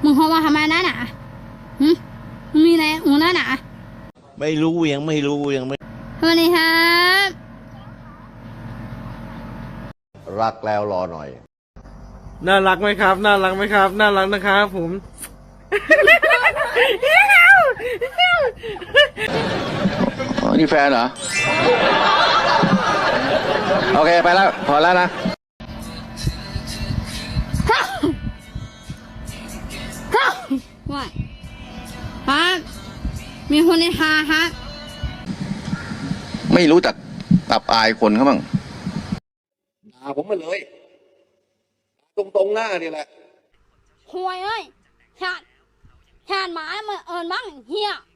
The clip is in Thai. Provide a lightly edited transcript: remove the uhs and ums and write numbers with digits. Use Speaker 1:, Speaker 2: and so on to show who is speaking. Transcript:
Speaker 1: มึงโทรมาทำไมนั่นน่ะหึมึงมีอะไรมึงนั่นน่ะ
Speaker 2: ไม่รู้ยังไม่รู้ยังไม่
Speaker 1: สวัสดีครับ
Speaker 2: รักแล้วรอหน่อย
Speaker 3: น่ารักไหมครับน่ารักไหมครับน่ารักนะครับผม
Speaker 4: อ๋อนี่แฟนเหรอ โอเค ไปแล้ว พอแล้วนะ
Speaker 1: ว่าครับมีคนในฮาครับ
Speaker 4: ไม่รู้จักอับอายคนเขาบ้าง
Speaker 5: ด่าผมมาเลยตรงๆหน้านี่แหละ
Speaker 1: ห่วยเอ้ยชาติหมามาเอิญบ้างเฮีย